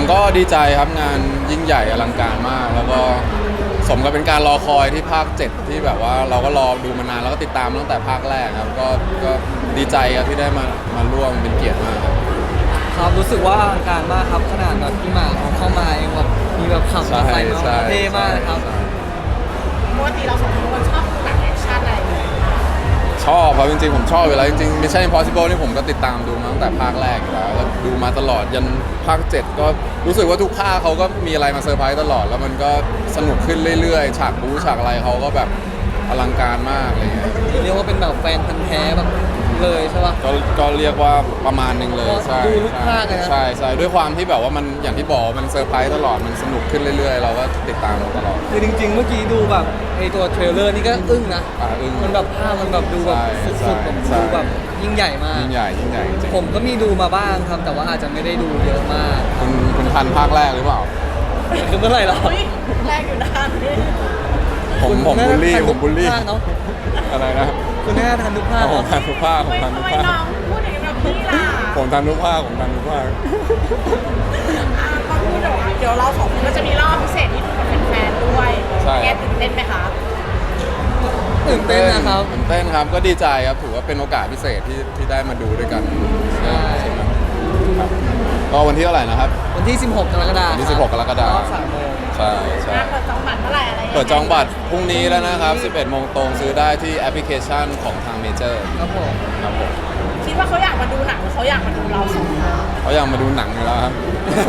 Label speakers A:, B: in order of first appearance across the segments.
A: ก็ดีใจครับงานยิ่งใหญ่อลังการมากแล้วก็สมกับเป็นการรอคอยที่ภาค7ที่แบบว่าเราก็รอดูมานานแล้วก็ติดตามตั้งแต่ภาคแรกครับก็ดีใจครับที่ได้มาร่วมเป็นเกียรติมากครับ
B: ครับรู้สึกว่าอลังการมากครับขนาดแบบพี่หมากเอาเข้ามาเองแบบมีแบบขับมาใส่มาเท่มากเลยครับ
C: ปกติเราสองคนชอบดูหนังแอคชั่นอะไรอย่างเงี้ย
A: ชอบครับจริงๆผมชอบอยู่แล้วจริงๆ Mission Impossible นี่ผมก็ติดตามดูมาตั้งแต่ภาคแรกอยู่แล้วก็ดูมาตลอดยันภาค7ก็รู้สึกว่าทุกภาคเขาก็มีอะไรมาเซอร์ไพรส์ตลอดแล้วมันก็สนุกขึ้นเรื่อยๆฉากบู๊ฉากอะไรเขาก็แบบอลังการมากอะไรเงี้ย
B: เรียกว่าเป็นแบบแฟนพันธุ์แท้แบบเลยใช่ป่ะ
A: ก็เรียกว่าประมาณนึงเลยใช่
B: ดูทุกภาคเลยนะ
A: ใช่ด้วยความที่แบบว่ามันอย่างที่บอกมันเซอร์ไพรส์ตลอดมันสนุกขึ้นเรื่อยๆเราก็ติดตามตลอด
B: คือจริงๆเมื่อกี้ดูแบบไอตัวเทรลเลอร์นี่ก็อึ้งนะ
A: อึ้ง
B: มันแบบภาพมันแบบดูแบบสุดๆแบบดูแบบยิ่งใหญ่มาก
A: ยิ่งใหญ่จริง
B: ผมก็มีดูมาบ้างครับแต่ว่าอาจจะไม่ได้ดูเยอะมาก
A: คุณทันภาคแรกหรือเปล่า
B: คือเมื่อไหร่หรอ
C: แรกอยู่นาน
A: ผมบูลลี่
B: เนาะ
A: อะไรนะ
B: คุณแม่ทันทุกภาค
A: ผมทันทุกภาคผมทันทุกภาค
C: น้องพูดอย่างนี้กับพี่ล่ะ
A: ผมทันทุกภาค
C: พอพูดเดี๋ยวเราสองคนก็จะมีรอบพิเศษที่ดูกับแฟนๆด้วยแกตื่นเต้นไหมคะ
B: ตื่นเต้นนะครับ
A: ตื่นเต้นครับก็ดีใจครับถือว่าเป็นโอกาสพิเศษที่ได้มาดูด้วยกัน
B: ใช่
A: ก็วันที่เท่าไหร่นะครับ
B: วันที่16กรกฎาคม
A: วันที่16กรกฎาคมใช่
C: เปิดจองบัตรเมื่อไหร่อะไร
A: เปิดจองบัตรพรุ่งนี้แล้วนะครับ11 โมงตรงซื้อได้ที่แอปพลิเคชันของทางเมเจอร์
B: ครับผม
C: คิดว่าเขาอยากมาดูหนังหรือเขาอยากมาดูเราสองคน
A: เขาอยากมาดูหนังอยู่แล้วครับ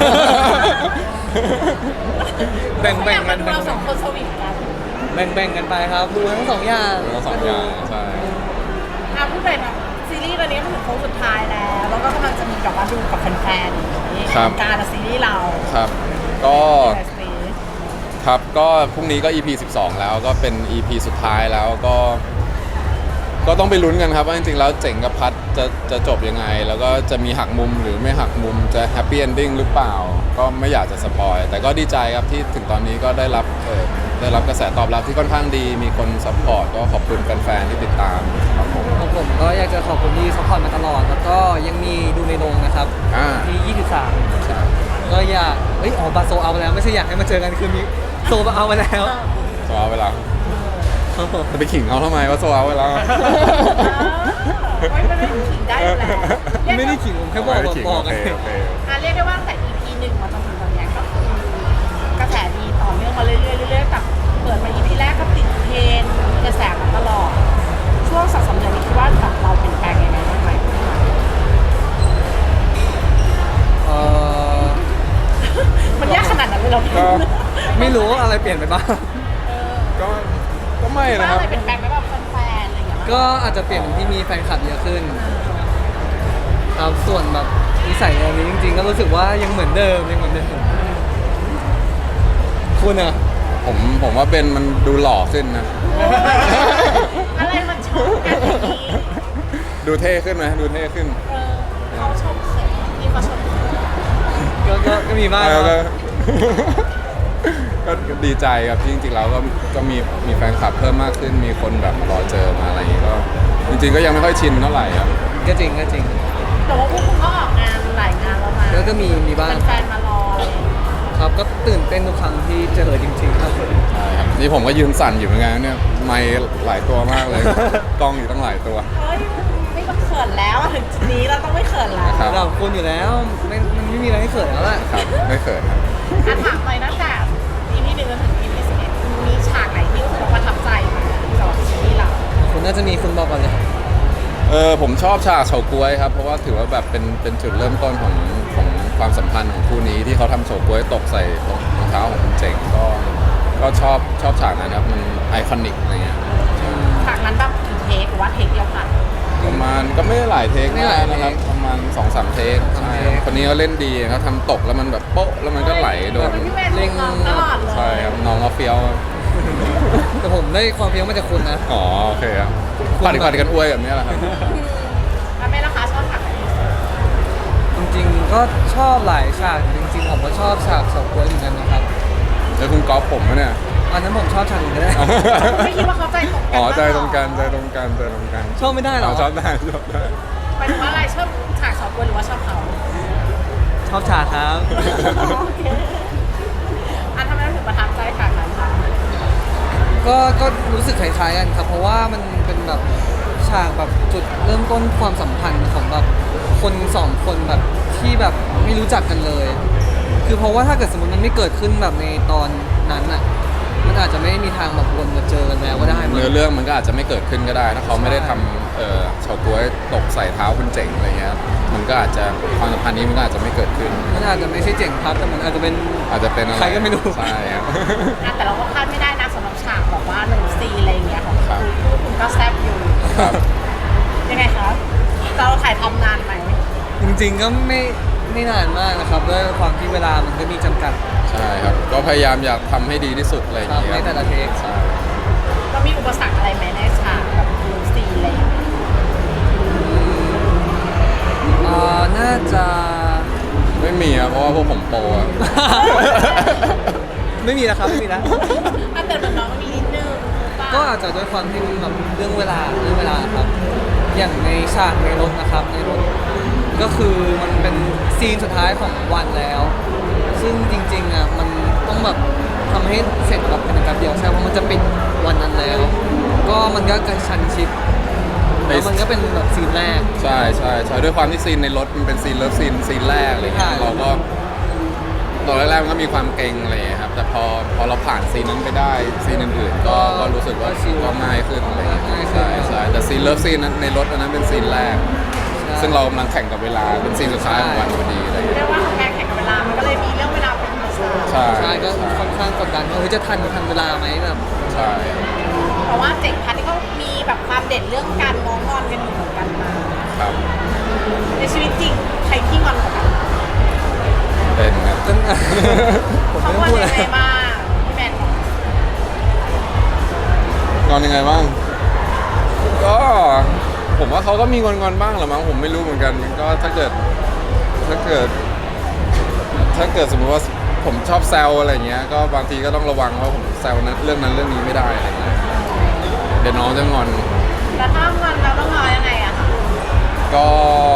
B: แบ่ง
C: กันเราสองคนสวีทกัน
B: แบ่งกันไปครับดูทั้งสองอย่าง
A: ใช่
C: พูดไปแบบซีรีส์ตอนนี้ก็ถึงโค้งสุดท้ายแล้วก็กำลังจะมีแบบว่าดูกับแฟนๆการซีรีส์เรา
A: ครับก็พรุ่งนี้ก็ EP 12แล้วก็เป็น EP สุดท้ายแล้วก็ต้องไปลุ้นกันครับว่าจริงๆแล้วเจ๋งกับพัดจะจบยังไงแล้วก็จะมีหักมุมหรือไม่หักมุมจะแฮปปี้เอนดิ้งหรือเปล่าก็ไม่อยากจะสปอยแต่ก็ดีใจครับที่ถึงตอนนี้ก็ได้รับกระแสตอบรับที่ค่อนข้างดีมีคนซัพพอร์ตก็ขอบคุณแฟนๆที่ติดตามครับผม
B: ก็อยากจะขอบคุณที่ซัพพอร์ตมาตลอดแล้วก็ยังมีดูในโรงนะครับที่23ก็อยากบาโซเอาไปแล้วไม่ใช่อยากให้มาเจอกันคือมีโซเอาไปแล้ว
A: โซเอาไปแล้วจะไปขิงเขาทำไมว่าโซเอาไปแล้ว
C: ไม่ได้ขิงได้แล้ว
B: ไม่ได้ขิงผมแค่บอกกัน
C: เรียกได้ว่าแต่ EP 1มาจนถึงตอนนี้ก็คือกระแสดีต่อเนื่องมาเรื่อยๆกับเปิดมา EP แรกก็ติดเทรนด์กระแสมาตลอดช่วง2-3 เดือนนี้คิดว่าแบบเราเปลี่ยนแปลงยังไงบ้างไหมมันยากขนาดนั้นเลยเรา
B: ไม่รู้อะไรเปลี่ยนไปบ้าง
A: ก็ไม่นะครับ
C: อะไรเปลี่ยนแปลงไปแบบแฟนๆอะไรอย่างเงี้ย
B: ก็อาจจะเปลี่ยนที่มีแฟนคลับเยอะขึ้นครับส่วนแบบนิสัยอันนี้จริงๆก็รู้สึกว่ายังเหมือนเดิมคุณอะ
A: ผมว่าเบนมันดูหล่อขึ้นนะ
C: อะไรมันชมกันอย่างนี้
A: ดูเท่ขึ้นไหมดูเท่ขึ้น
C: เขาชมเสร็จที่เขาชม
B: ก็มีบ้าง
A: ก็ดีใจครับที่จริงๆแล้วก็มีแฟนคลับเพิ่มมากขึ้นมีคนแบบรอเจอมาอะไรอย่างงี้ก็จริงๆก็ยังไม่ค่อยชินเท่าไหร่ครับ
B: ก็จริง
C: แต่ว่าพวกคุณก็ออกงานหลายงานแล้วนะ
B: แล้วก็มีบ้าง
C: แฟนมารอ
B: ครับก็ตื่นเต้นทุกครั้งที่เจอจริงๆครับ
A: ใช่ครับนี่ผมก็ยืนสั่นอยู่เหมือนกันเนี่ยไมค์หลายตัวมากเลยกล้องอยู่ตั้งหลายตัว
C: ไม่ต้องเขินแล้วถึงจุดนี้เราต้องไม่เขินแล้ว
B: เราคุณอยู่แล้วมันไม่มีอะไรให้เขินแล้วแหละ
A: ครับไม่เขินครับ
C: ถามเลยนะแต่EP 1จนถึง EP 11มีฉากไหนที่รู้สึกประทับใจสำหรับซีรีส์เรา
B: คุณน่าจะมีคุณบอกก่อนเลย
A: ผมชอบฉากเฉาก๊วยครับเพราะว่าถือว่าแบบเป็นจุดเริ่มต้นของความสัมพันธ์ของคู่นี้ที่เขาทำเฉาก๊วยตกใส่รองเท้าของคุณเจ๋งก็ชอบฉากนั้นครับมันไอคอนิกอะไรเงี้ย
C: ฉากนั้นแบบกี่เทคหรือว่าเทคเดียวกัน
A: ประมาณก็ไม่ได้หลายเทคนะครับประมาณ 2-3 เทคใช่คนนี้เขาเล่นดีเขาทำตกแล้วมันแบบโป๊ะแล้วมันก็ไหลโดน
C: เล่งตลอดเลย
A: ใช่ครับน้องเขาเฟี้ยว
B: แต่ผมได้ความเฟี้ยวมาจากคุณนะ
A: อ๋อโอเคครับปัดกันอวยแบบนี้แหละครับ
C: แม่ราคาชอบฉากไหน
B: จริงๆก็ชอบหลายฉากจริงๆผมก็ชอบฉากเฉาก๊วยเหมือนกันนะครับ
A: แล้วคุณก๊อฟผมเนี่ย
B: อันนั้นผมชอบฉากอื่นก็ได้
C: ไม่คิดว่าเขาใจตรงกัน
A: ใจตรงกัน
B: ชอบไม่ได้หรอ
A: ชอบได้
C: หมายถึงว่าอะไรชอบฉากเฉาก๊วยหรือว่าชอบเขา
B: ชชอบฉากครับ
C: โอเคอันทำไมเราถึงประทับใจฉากนั้นคะ
B: ก็รู้สึกคล้ายๆกันครับ เพราะว่ามันเป็นแบบฉากแบบจุดเริ่มต้นความสัมพันธ์ของแบบคนสองคนแบบที่แบบไม่รู้จักกันเลย คือเพราะว่าถ้าเกิดสมมติมันไม่เกิดขึ้นแบบในตอนนั้นอ่ะมันอาจจะไม่มีทางแบบวนมาเจอกันแล้วก็ได้มั้ง
A: เนื้อเรื่องมันก็อาจจะไม่เกิดขึ้นก็ได้ ถ้าเขาไม่ได้ทำเฉาก๊วยตกใส่เท้าคุณเจ๋งอะไรเงี้ยมันก็อาจจะความสัมพันธ์นี้มันก็อาจจะไม่เกิดขึ้น
B: มันอาจจะไม่ใช่เจ๋งพัดแต่มันอาจจะเป็น
A: อาจจะเป็นอะไร
B: ใครก็ไม่รู้
A: ใช่ครับ
C: อ่ะแต่เราก็คาดไม่ได้นะสำหรับฉากแบบว่าหนึ่งซีนอะไรอย่างเงี้ยของ
A: ครับ
C: คุณก็แซ่บอยู่
A: ครับ
C: ยังไงคะเราถ่ายทำนานไหม
B: จริงๆก็ไม่นานมากนะครับด้วยความที่เวลามันก็มีจำกัด
A: ใช่ครับ ก็พยายามอยากทำให้ดีที่สุดอะไรอย่าง
B: ครับ
A: เงี้ย
B: ในแต่ละเทค
A: ใช่
C: เรามีอุปสรรคอะไรไหมในฉากแบบหนึ่งซีนอะไรอย่างเงี้ย
B: น่าจะ
A: ไม่มีครับเพราะว่าพวกผมโปรอะ
B: ไม่มีแล้วครับไม่มีแล้ว
C: อ่ะแต่เหมือนน้องมีนิดนึงป่ะ
B: ก็อาจจะด้วยความที่มันแบบเรื่องเวลาครับ อย่างในฉากในรถนะครับในรถก็คือมันเป็นซีนสุดท้ายของวันแล้ว ซึ่งจริงๆอ่ะมันต้องแบบทำให้เสร็จแบบเป็นการเดียวใช่เพราะมันจะปิดวันนั้นแล้ว ก็มันก็กระชันชิดแล้วมันก็เป็นแบบซีนแรก
A: ใช่ใช่ใช่ด้วยความที่ซีนในรถมันเป็นซีนเลิฟซีนแรกอะไรเงี้ย
B: ใช่
A: เราก็ตอนแรกๆมันก็มีความเกรงอะไรเงี้ยครับแต่พอเราผ่านซีนนั้นไปได้ซีนอื่นๆก็รู้สึกว่าก็ง่ายขึ้นอะไรเงี้ยใช่ใช่แต่ซีนเลิฟซีนนั้นในรถอันนั้นเป็นซีนแรก ซึ่งเรากำลังแข่งกับเวลาเป็นซีนสุดท้ายของวันพอดีอะไรเงี้ย
C: เรียกว่าทำงานแข่งกับเวลา มันก็เลยมีเรื่องเวลาเป็นอุปสรรค
A: ใช่
B: ใช่ก็ค่อนข้างกดดันว่าเฮ้ยจะทันเวลาไหมแบบ
A: ใช่
C: เพราะว่าเจ๋งพัดนี่ก็มีแบบความเด่นเรื่องการง้องอนกันอยู่เหมือนกันมา
A: ครับ
C: ในชีวิตจริงใครขี้งอนกว่ากัน
A: เป็นครับ
B: จน ผม
C: เขา
B: ไม่
C: ง
B: ต้
C: อ
B: อน งพูด
C: ยั
B: อะไร
C: งไงบ้างพี่แมนบอก
A: งอนยังไงบ้างก็ผมว่าเขาก็มีงอนบ้างแหละมั้งผมไม่รู้เหมือนกันก็ถ้าเกิดสมมติว่าผมชอบแซวอะไรเงี้ยก็บางทีก็ต้องระวังว่าผมแซวนั้นเรื่องนี้ไม่ได้อะไรเงี้ยเดี๋ยวน้องจะงอน
C: แล้วถ้างอนเราต้องงอยังไงอะคะ
A: ก็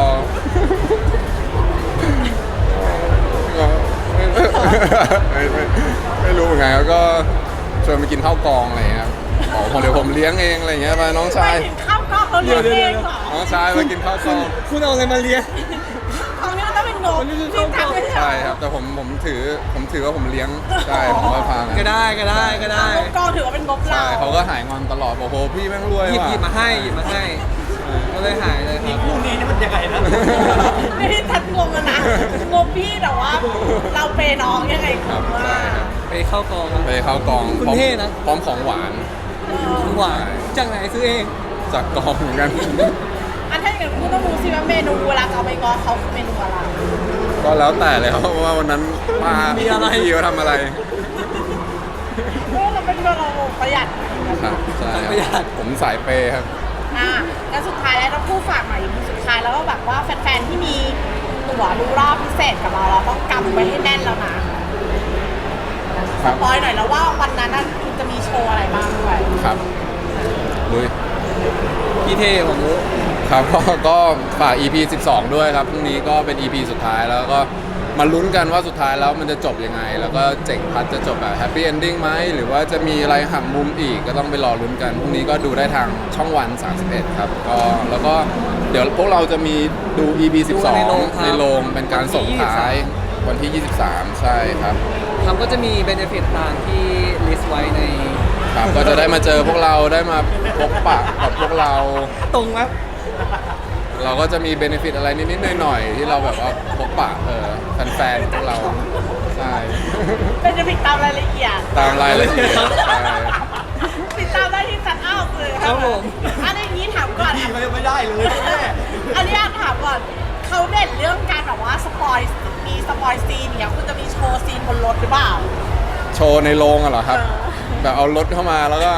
A: ไม่รู้เหมือนกันครับก็ชวนไปกินข้าวกองอะไรเงี้ยครับบอกเดี๋ยวผมเลี้ยงเองอะไรเงี้ยไปน้องชาย
C: ไปถึงข้าวกล้องเราเลี้ยงเองเหรอ
A: น้องชายมากินข้าวกอง
B: คุณเอาอะไรมาเลี้ยง
C: ของนี้มันต้องเป็นงบที่ทักไม่ใช่
A: ใช่ครับแต่ผมถือว่าผมเลี้ยงใช่ผมก็พา
B: ก็ได้
C: งบกองถือว่าเป็นงบเรา
A: ใช่เขาก็หายงอนตลอดบอกโหพี่แม่งรวย
B: หยิบ
A: ว่ะ
B: มาให้ก็เลยหายเลยครับ
D: คู่นี้นี่มันยังไงนะ
C: ไม่ได้ทัดงงอะนะงบพี่แต่ว่าเราเปย์น้องยังไง
A: ครับ
C: ว่า
A: ใช่ครับ
B: ไปเข้ากอง
A: ไปเข้ากอง
B: คุณ
A: พร้อม
B: เท่นะ
A: พร้อมของหวาน
B: หวานจากไหนซื้อเอง
A: จากกองเหมือนกัน
C: อันถ้าอย่างนั้นคุณต้องรู้สิว่าเมนูเวลาเอาไปงอเขาคือเมนูอะไร
A: ก็แล้วแต่เลยครับว่าวันนั้นป้า
B: มีอะไร
A: พี่เขาทำอะไร
C: เพราะเราเป็นเราประหยัด
A: ครับใช่ค
B: ประหยั
A: รับ
B: ด
A: ผมสายเปย์ครับ
C: แล้วสุดท้ายแล้วเราพูดฝากหน่อยสุดท้ายแล้วก็แบบว่าแฟนๆที่มีตั๋วดูรอบพิเศษกับเราต้องกำไว้ให้แน่นแล้วนะ
A: ครั
C: ส
A: บ
C: ปอยหน่อยแล้วว่าวันนั้นน่ะคุณจะมีโชว์อะไรบ้างด้วย
A: ครับลุย
B: พี่เท่ผมรู้
A: ครับก็ฝาก EP 12 ด้วยครับพรุ่งนี้ก็เป็น EP สุดท้ายแล้วก็มาลุ้นกันว่าสุดท้ายแล้วมันจะจบยังไง แล้วก็เจ๋งพัดจะจบแบบแฮปปี้เอนดิ้งไหมหรือว่าจะมีอะไรหักมุมอีกก็ต้องไปรอลุ้นกันพรุ่งนี้ก็ดูได้ทางช่องวัน 31 ครับก็แล้วก็เดี๋ยวพวกเราจะมีดู EP
B: ดูในโรงค
A: 12
B: รับ
A: ในโรงเป็นการส่งท้ายวันที่ 23 ใช่ครับ
B: ครับก็จะมีเบนฟิตตามที่ลิสต์ไว้ใน
A: ครับก็จะได้มาเจอพวกเราได้มาพบปะกับพวกเรา
B: ตรงครับ
A: เราก็จะมีเบนฟิตอะไรนิดๆหน่อยๆที่เราแบบว่าพบปะแฟนๆพวกเราใช่
C: เป็นจะติดตามรายละเอียด
A: ตามรายละเอียดใช่
C: ติดตามได้ที่จัดอ้าวเลย
B: ครับผม
C: อันนี้ถามก่อน
D: พี่เขายังไม่ได้เลยแม่
C: อันนี้ถามก่อนเขาเด่นเรื่องการแบบว่าสปอยมีสปอยซีนเนี่ยคุณจะมีโชว์ซีนบนรถหรือเปล่า
A: โชว์ในโรงอะเหรอครับ แบบเอารถเข้ามาแล้วก็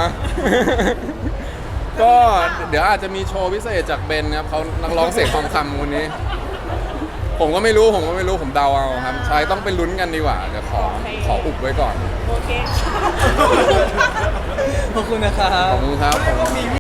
A: ก็เดี๋ยวอาจจะมีโชว์พิเศษจากเบนครับเขานักร้องเสียงทองคำคนนี้ ผมก็ไม่รู้ผมเดาเอาครับใช่ต้องไปลุ้นกันดีกว่าเดี๋ยวขออุบไว้ก่อน
C: โอเค
B: ขอบคุณนะครั
A: ข
B: บ
A: อบคุณครับขอบ
D: ก็
A: คุณ
D: มีวิ